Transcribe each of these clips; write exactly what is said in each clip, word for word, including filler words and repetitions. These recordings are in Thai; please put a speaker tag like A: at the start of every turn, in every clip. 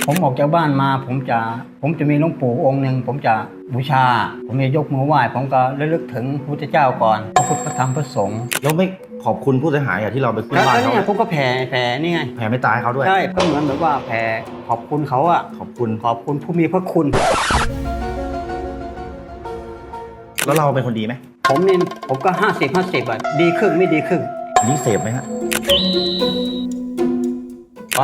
A: ผมออกจากบ้านมาผมจะผมจะมีหลวงปู่องค์หนึ่งผมจะบูชาผมจะยกมือไหว้ผมก็ระลึกถึงพระพุทธเจ้าก่อนพระพุทธพระธรรมพระสงฆ์
B: แล้วไม่ขอบคุณผู้เสียหายอะที่เราไปขึ้นบ้าน
A: แล้ว
B: เขา
A: เนี่ยผมก็แผ่แผ่นี่ไง
B: แผ่ไม่ตายเขาด้วย
A: ใช่ก็เหมือนแบบว่าแผ่ขอบคุณเขาอะ
B: ขอบคุณ
A: ขอบคุณผู้มีพระคุณ
B: แล้วเราเป็นคนดีไหม
A: ผมเนี่ยผมก็ห้าสิบห้าสิบอะดีครึ่งไม่ดีครึ่ง
B: อันนี้เสพไหมฮะไป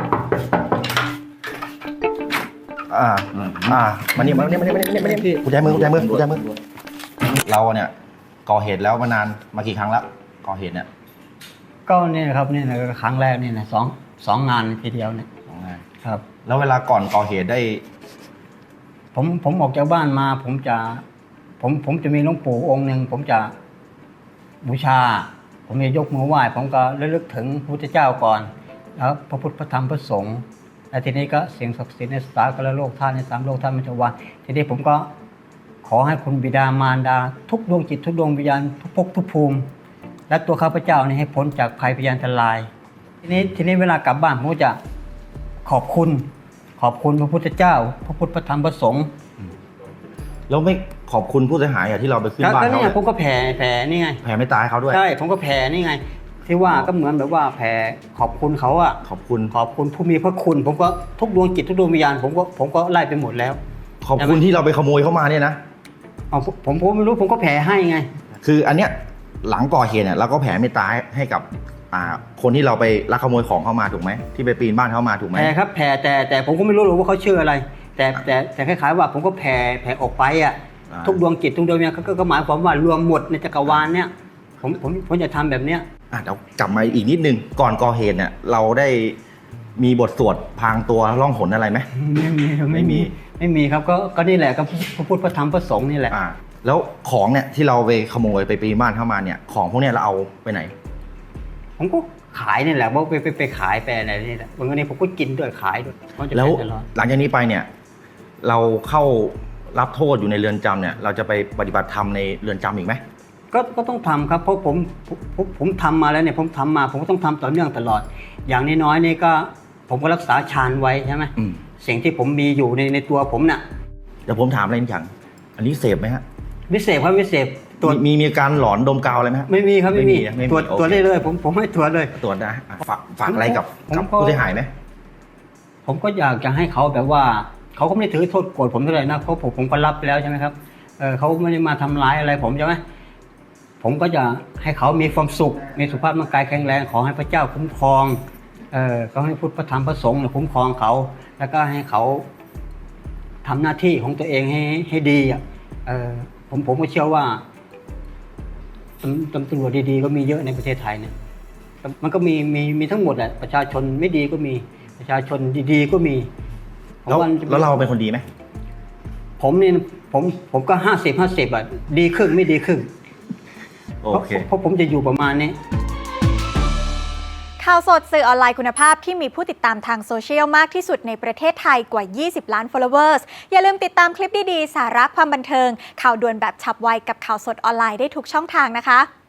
B: อ่าอ่ามานี่มานี่มานี่มานี่มานี่มานี่กุญแจมือกุญแจมือกุญแจมือเราเนี่ยก่อเหตุแล้วมานานมากี่ครั้งแล้วก่อเหตุเนี่ย
A: ก็เนี่ยนะครับเนี่ยนะครั้งแรกเนี่ยนะสองสองงานทีเดียวเนี่ย
B: สองงาน
A: ครับ
B: แล้วเวลาก่อนก่อเหตุได้
A: ผมผมออกจากบ้านมาผมจะผมผมจะมีหลวงปู่องค์หนึ่งผมจะบูชา ผมจะยกมือไหว้ผมก็ระลึกถึงพระพุทธเจ้าก่อนแล้วพระพุทธพระธรรมพระสงฆ์แล้วทีนี้ก็เสียงศักดิ์สิทธิ์ในสากลโลกท่านในสามโลกท่านมัจจุวันทีนี้ผมก็ขอให้คุณบิดามารดาทุกดวงจิตทุกดวงวิญญาณทุกภพทุกภูมิและตัวข้าพเจ้านี่ให้พ้นจากภัยพยานอันตรายทีนี้ทีนี้เวลากลับบ้านผมก็จะขอบคุณขอบคุณพระพุทธเจ้าพระพุทธพระธรรมพระสงฆ์
B: แล้วไม่ขอบคุณผู้เสียหายอะที่เราไปขึ้นบ้าน
A: ก็
B: เขา
A: เนี่ยผมก็แผ่แผ่นี่ไง
B: แผ่ไม่ตายเขาด้วย
A: ใช่ผมก็แผ่นี่ไง ที่ว่าก็เหมือนแบบว่าแผ่ขอบคุณเขาอะ
B: ขอบคุณ
A: ขอบคุณผู้มีพระคุณ ผมก็ทุกดวงจิตทุกดวงวิญญาณผมก็ผมก็ไล่ไปหมดแล้ว
B: ขอบคุณที่เราไปขโมยเข้ามาเนี่ยนะ
A: เอาผมผมผมไม่รู้ผมก็แผ่ให้ไง
B: คืออันเนี้ยหลังก่อเหตุเนี่ยเราก็แผ่เมตตาให้กับอ่าคนที่เราไปลักขโมยของเข้ามาถูกไหมที่ไปปีนบ้านเข้ามาถูกไหม
A: แผ่ครับแผ่แต่แต่ผมก็ไม่รู้หรอกว่าเขาชื่ออะไร แต่แต่แต่คล้ายๆว่าผมก็แผ่แผ่ออกไปอะ
B: อ่า
A: ทุกดวงจิตทุกดวงวิญญาณก็ก็ก็หมายความว่ารวมหมดในจักรวาลเนี่ยผมผมผมจะทำแบบเนี้ย
B: อ่ะเดี๋ยวกลับมาอีกนิดนึงก่อนก่อเหตุเนี่ยเราได้มีบทสวดพรางตัวล่องหนอะไรไหม
A: ไม่มี
B: ไม่มี
A: ไม่มีครับก็ก็นี่แหละก็พระพุทธพระธรรมพระสงฆ์นี่แหละ
B: อ่าแล้วของเนี่ยที่เราไปขโมยไปปีนบ้านเข้ามาเนี่ยของพวกเนี้ยเราเอาไปไหน
A: ผมก็ขายนี่แหละว่าไปไปไปขายไปอะไรนี่แหละวันนี้ผมก็กินด้วยขายด้วยเพราะจะ
B: แล้ว
A: เป็นตลอด
B: หลังจากนี้ไปเนี่ยเราเข้ารับโทษอยู่ในเรือนจำเนี่ยเราจะไปปฏิบัติธรรมในเรือนจำอีกไหม
A: ก็ก็ต้องทำครับเพราะผมผมผมผมทำมาแล้วเนี่ยผมทำมาผมก็ต้องทำต่อเนื่องตลอด อย่างน้อยๆนี่ก็ผมก็รักษาฌานไว้ใช่ไหม
B: อืม
A: สิ่งที่ผมมีอยู่ในในตัวผมน่ะ
B: เดี๋ยวผมถามอะไรนิดอย่างอันนี้เสพไหมฮะ
A: วิเศษครับวิเศษตรวจ
B: มีมีมีอาการหลอนดมกาวอะไรไหมฮะ
A: ไม่มีครับไม่มี
B: ไม่มีนะไม่มี
A: ตรวจ
B: โอเค
A: ตรวจได้เลยผมผมให้ตรวจเลย
B: ตรวจนะอ่ะฝากฝากอะไรกับ
A: ผม
B: กับ
A: ก็
B: ผู้เสียหายไหม
A: ผมก็อยากจะให้เขาแบบว่าเขาก็ไม่ได้ถือโทษโกรธผมเท่าไหร่นะเพราะผมผมก็รับไปแล้วใช่ไหมครับเออเขาไม่ได้มาทำร้ายอะไรผมใช่ไหมผมก็จะให้เขามีความสุขมีสุขภาพร่างกายแข็งแรงขอให้พระเจ้าคุ้มครองเออก็ให้พุทธพระธรรมพระสงฆ์เนี่ยคุ้มครองเขา แล้วก็ให้เขาทำหน้าที่ของตัวเองให้ให้ดีอ่ะเออผมผมก็เชื่อว่าตำตำตำรวจดีๆก็มีเยอะในประเทศไทยเนี่ยมันก็มีมีมีทั้งหมดแหละประชาชนไม่ดีก็มีประชาชนดีๆก็มีผม
B: แล้ว
A: ว่า
B: แล้วเราเป็นคนดีไหม
A: ผมเนี่ยผมผมก็ห้าสิบห้าสิบอ่ะดีครึ่งไม่ดีครึ่ง
B: โอเค
A: เพราะเพราะผมจะอยู่ประมาณนี้
C: ข่าวสดสื่อออนไลน์คุณภาพที่มีผู้ติดตามทางโซเชียลมากที่สุดในประเทศไทยกว่า ยี่สิบ ล้าน followers อย่าลืมติดตามคลิปดีๆ สาระความบันเทิง ข่าวด่วนแบบฉับไวกับข่าวสดออนไลน์ได้ทุกช่องทางนะคะ